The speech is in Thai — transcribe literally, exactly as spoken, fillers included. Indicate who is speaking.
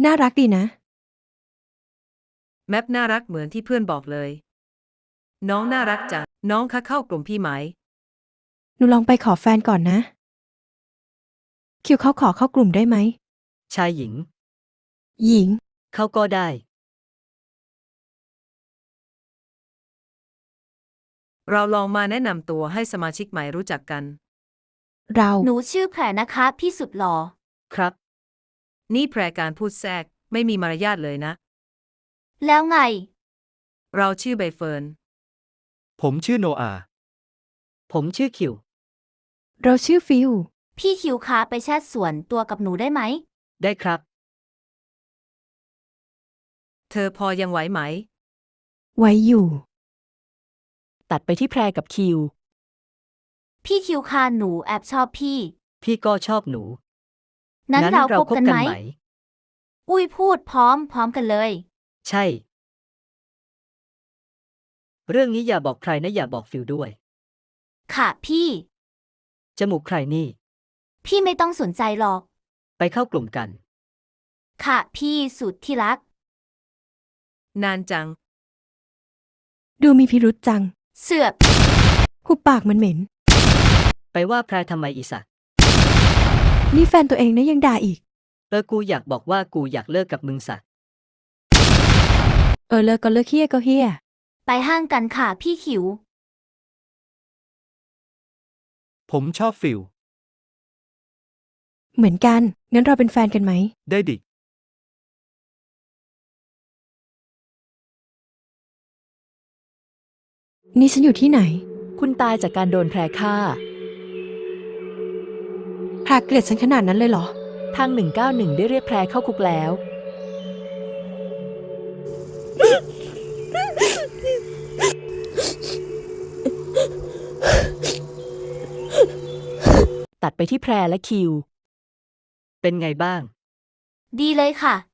Speaker 1: น่ารักดีนะ
Speaker 2: แมปน่ารักเหมือนที่เพื่อนบอกเลยน้องน่ารักจังน้องคะเข้ากลุ่มพี่ไหม
Speaker 1: หนูลองไปขอแฟนก่อนนะคิวเขาขอเข้ากลุ่มได้ไหม
Speaker 3: ชายหญิง
Speaker 1: หญิง
Speaker 3: เข้าก็ได้
Speaker 2: เราลองมาแนะนำตัวให้สมาชิกใหม่รู้จักกัน
Speaker 1: เรา
Speaker 4: หนูชื่อแพรนะคะพี่สุดหล่อ
Speaker 3: ครับ
Speaker 2: นี่แพรการพูดแทรกไม่มีมารยาทเลยนะ
Speaker 4: แล้วไง
Speaker 2: เราชื่อใบเฟิร์น
Speaker 5: ผมชื่อโนอาห์
Speaker 3: ผมชื่อคิว
Speaker 1: เราชื่อฟิล
Speaker 4: พี่คิวคะไปแชทส่วนตัวกับหนูได้ไหม
Speaker 3: ได้ครับ
Speaker 2: เธอพอยังไหวไหม
Speaker 1: ไว้อยู่
Speaker 6: ตัดไปที่แพรกับคิว
Speaker 4: พี่คิวคะหนูแอบชอบพี่
Speaker 3: พี่ก็ชอบหนู
Speaker 4: นั้นเราคบกันไหม
Speaker 3: ไหม
Speaker 4: อุ้ยพูดพร้อมพร้อมกันเลย
Speaker 3: ใช่ เรื่องนี้อย่าบอกใครนะอย่าบอกฟิลด้วย
Speaker 4: ค่ะพี่
Speaker 3: จมูกใครนี่
Speaker 4: พี่ไม่ต้องสนใจหรอก
Speaker 3: ไปเข้ากลุ่มกัน
Speaker 4: ค่ะพี่สุดที่รัก
Speaker 2: นานจัง
Speaker 1: ดูมีพิรุษจัง
Speaker 4: เสือบ
Speaker 1: หุบปากมันเหม็น
Speaker 3: ไปว่าแพรทำไมอีสัตว์
Speaker 1: นี่แฟนตัวเองนะยังด่าอีก
Speaker 3: เออกูอยากบอกว่ากูอยากเลิกกับมึงสัตว์
Speaker 1: เออเลิกก็เลิกเฮี้ยก็เฮี้ย
Speaker 4: ไปห้างกันค่ะพี่คิว
Speaker 5: ผมชอบฟิล
Speaker 1: เหมือนกัน งั้นเราเป็นแฟนกันไหม
Speaker 5: ได้ดิ
Speaker 1: นี่ฉันอยู่ที่ไหน
Speaker 6: คุณตายจากการโดนแพรฆ่า
Speaker 1: พาเกลียดฉันขนาดนั้นเลยเหรอ
Speaker 6: ทางหนึ่งเก้าหนึ่งได้เรียกแพรเข้าคุกแล้ว ตัดไปที่แพรและคิว
Speaker 3: เป็นไงบ้าง
Speaker 4: ดีเลยค่ะ